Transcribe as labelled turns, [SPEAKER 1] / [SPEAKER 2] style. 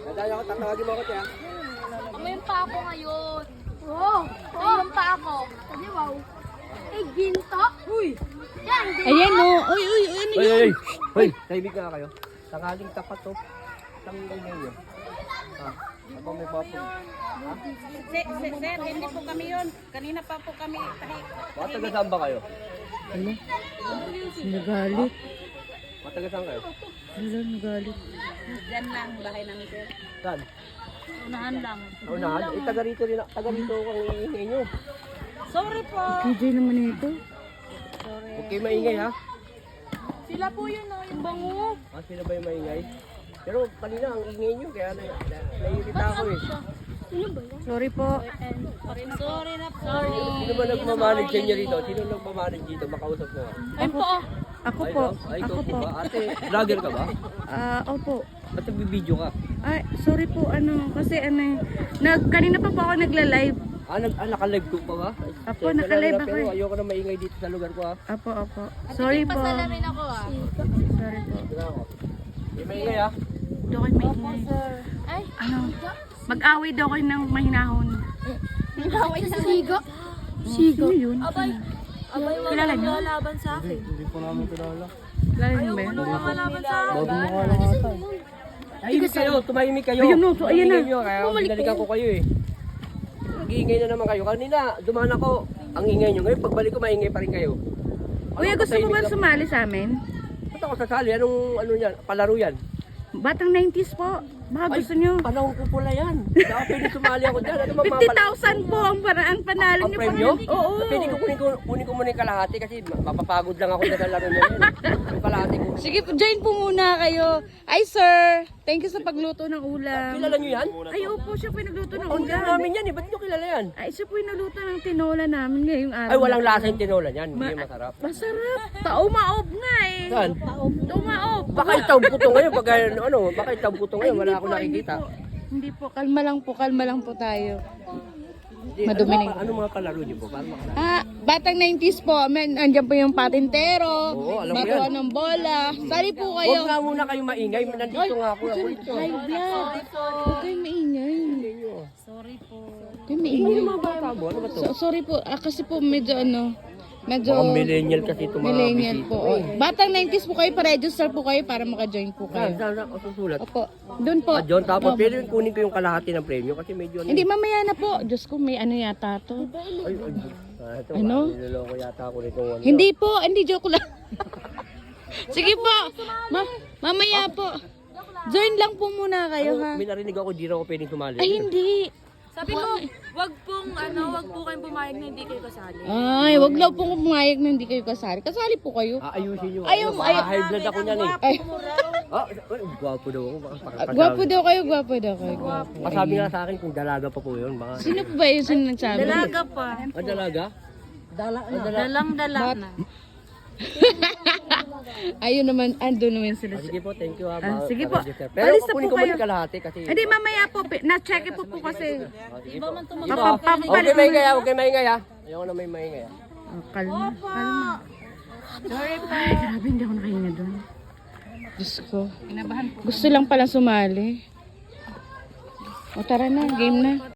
[SPEAKER 1] Madaya ko, tatawagin mo ako, tiya.
[SPEAKER 2] Mayroon pa ako ngayon. Oo. Mayroon pa ako. Hindi, wow. Eh, ginto. Uy. Yan, ginto.
[SPEAKER 3] Ayan o. Uy, ano yun?
[SPEAKER 1] Hoy, tahimik nga kayo. Tanghaling tapat to. Isang ingay nyo. Ako may papo.
[SPEAKER 4] Sir, hindi po kami yun. Kanina pa po kami.
[SPEAKER 1] Mga taga saan ba kayo?
[SPEAKER 3] Ano? Nagalit.
[SPEAKER 1] Mga taga saan kayo?
[SPEAKER 3] Ano, nagalit.
[SPEAKER 4] Diyan lang, bahay namin sir.
[SPEAKER 1] Saan?
[SPEAKER 4] Unahan lang.
[SPEAKER 1] Unahan? Eh, taga rito rin. Taga rito ang iingay nyo.
[SPEAKER 4] Sorry po.
[SPEAKER 3] KJ naman ito.
[SPEAKER 1] Huwag kayo maingay ha.
[SPEAKER 2] Sila po yun, oh, yung bango.
[SPEAKER 1] Sila ba yung maingay? Pero kanina ang ingay nyo, kaya naiirita ako eh.
[SPEAKER 3] Sorry po.
[SPEAKER 4] Sorry na po.
[SPEAKER 1] Sino ba nagmamanage sa inyo rito? Sino nagmamanage dito? Makausap mo ha?
[SPEAKER 2] Ayun po, oh.
[SPEAKER 3] Ako po.
[SPEAKER 1] Ay, ikaw
[SPEAKER 3] Ako
[SPEAKER 1] po
[SPEAKER 3] po.
[SPEAKER 1] ba? Ate, vlogger ka ba?
[SPEAKER 3] Opo.
[SPEAKER 1] Ba't nagbibideo ka?
[SPEAKER 3] Ay, sorry po. Kasi kanina pa po ako nagla-live.
[SPEAKER 1] Naka-live ko pa ba?
[SPEAKER 3] Apo, naka-live ako
[SPEAKER 1] Pero
[SPEAKER 3] eh.
[SPEAKER 1] ayoko na maingay dito sa lugar ko ha.
[SPEAKER 3] Opo. Sorry po.
[SPEAKER 2] Pasalamin ako, ah.
[SPEAKER 3] Sorry po.
[SPEAKER 1] Tignan ako. Hindi maingay ha.
[SPEAKER 3] Daw kayo maingay.
[SPEAKER 2] Ay,
[SPEAKER 3] Mag-away daw kayo ng mahinahon.
[SPEAKER 2] nagaway sa sigo.
[SPEAKER 3] Sigo yun.
[SPEAKER 2] Abay, wala
[SPEAKER 3] Kilala niyo?
[SPEAKER 2] laban sa akin.
[SPEAKER 3] Kilala niyo ba yun?
[SPEAKER 2] Malaban sa akin.
[SPEAKER 1] Tahimik kayo, tumahimik kayo.
[SPEAKER 3] Ayun, no, so, ayan na.
[SPEAKER 1] Ingay nyo, kaya binalikan ko kayo eh. Nag-iingay na naman kayo. Kanina, dumaan ako. Ang ingay nyo. Ngayon, pagbalik ko, maingay pa rin kayo.
[SPEAKER 3] Kuya, gusto mo ba sumali sa amin?
[SPEAKER 1] Ba't ako sasali? Anong yan? Palaro yan?
[SPEAKER 3] Batang 90s po. Baka gusto nyo.
[SPEAKER 1] Panahon ko pula yan. Baka pwede sumali ako dyan. Ano ba mga
[SPEAKER 3] 50,000 po ang panalo
[SPEAKER 1] ang
[SPEAKER 3] nyo.
[SPEAKER 1] premyo?
[SPEAKER 3] Oo.
[SPEAKER 1] Pwede ko kunin ko muna yung kalahati kasi mapapagod lang ako sa laro nyo. Yung kalahati ko.
[SPEAKER 3] Sige, join po muna kayo. Ay, sir. Thank you sa pagluto ng ulam.
[SPEAKER 1] Kilala nyo yan?
[SPEAKER 3] Ay, opo, siya po yung nagluto ng
[SPEAKER 1] Ang
[SPEAKER 3] ulam.
[SPEAKER 1] namin yan eh. Ba't nyo kilala yan?
[SPEAKER 3] Ay, siya po yung nagluto ng tinola namin ngayong araw.
[SPEAKER 1] Ay, walang lasa yung tinola yan. Hindi masarap.
[SPEAKER 3] Masarap. Taumaob nga eh.
[SPEAKER 1] Saan?
[SPEAKER 3] Taumaob.
[SPEAKER 1] Baka itaw buto ngayon. Baka itaw buto ngayon. Wala ako nakikita.
[SPEAKER 3] Hindi po. Kalma lang po tayo.
[SPEAKER 1] Hindi,
[SPEAKER 3] Madumi na yun.
[SPEAKER 1] Ano mga palaro nyo po? Paano makalaro?
[SPEAKER 3] Batang 90s po. Andyan po yung patintero.
[SPEAKER 1] Oo, alam ko
[SPEAKER 3] Batuan
[SPEAKER 1] yan.
[SPEAKER 3] ng bola. Sali po
[SPEAKER 1] Huwag
[SPEAKER 3] kayo.
[SPEAKER 1] nga muna kayo maingay. Nandito nga ako.
[SPEAKER 3] High blood. Huwag kayong maingay.
[SPEAKER 4] Sorry po.
[SPEAKER 3] Huwag kayong maingay.
[SPEAKER 1] Mga bata mo, ano ba to?
[SPEAKER 3] Sorry po. Kasi po medyo medyo
[SPEAKER 1] Mga millennial kasi ito mga
[SPEAKER 3] millennial
[SPEAKER 1] bisita.
[SPEAKER 3] po. Batang 90s po kayo. Pa-register po kayo para maka-join po kayo.
[SPEAKER 1] Saan ako susulat?
[SPEAKER 3] Opo. Doon po.
[SPEAKER 1] John, tapos pwede kunin ko yung kalahati ng premyo kasi medyo
[SPEAKER 3] Hindi, mamaya na po. Diyos ko, may ano yata to.
[SPEAKER 1] ito,
[SPEAKER 3] Ano?
[SPEAKER 1] niloloko yata ako nitong ano.
[SPEAKER 3] Hindi po, hindi joke lang. Sige po. Mamaya po. Join lang po muna kayo ha.
[SPEAKER 1] May narinig ako, di na ako pwedeng sumali.
[SPEAKER 3] Ay hindi.
[SPEAKER 2] Sabi mo, wag po kayong pumayag na hindi kayo kasali.
[SPEAKER 3] Ay, wag lang po pumayag na hindi kayo kasali. Kasali po kayo.
[SPEAKER 1] Ayusin nyo.
[SPEAKER 3] Ayaw mo, ayaw.
[SPEAKER 1] High blood ako niyan eh.
[SPEAKER 3] Ay,
[SPEAKER 1] Gwapo daw ako.
[SPEAKER 3] gwapo daw kayo, gwapo daw kayo.
[SPEAKER 1] Masabi nga sa akin kung dalaga pa po yun. Baka...
[SPEAKER 3] Sino po ba yung sino nagsabi?
[SPEAKER 4] Dalaga pa.
[SPEAKER 1] Dalaga?
[SPEAKER 4] Dalang-dala na.
[SPEAKER 3] Ayun naman, ando naman sila.
[SPEAKER 1] Sige po, thank you ha.
[SPEAKER 3] Sige po.
[SPEAKER 1] Pero
[SPEAKER 3] Alis na
[SPEAKER 1] kukunin
[SPEAKER 3] po
[SPEAKER 1] ko muna
[SPEAKER 3] kayo.
[SPEAKER 1] yung kalahati kasi...
[SPEAKER 3] Hindi, mamaya po. Na-check po po kasi.
[SPEAKER 1] Sige po.
[SPEAKER 3] Papapalit
[SPEAKER 1] Okay, maingay ha. Okay, maingay ha. Ayoko na may maingay ha.
[SPEAKER 3] Kalma, kalma. Ay, grabe, hindi ako nakahinga doon. Diyos ko. Gusto lang pala sumali. O tara na, game na.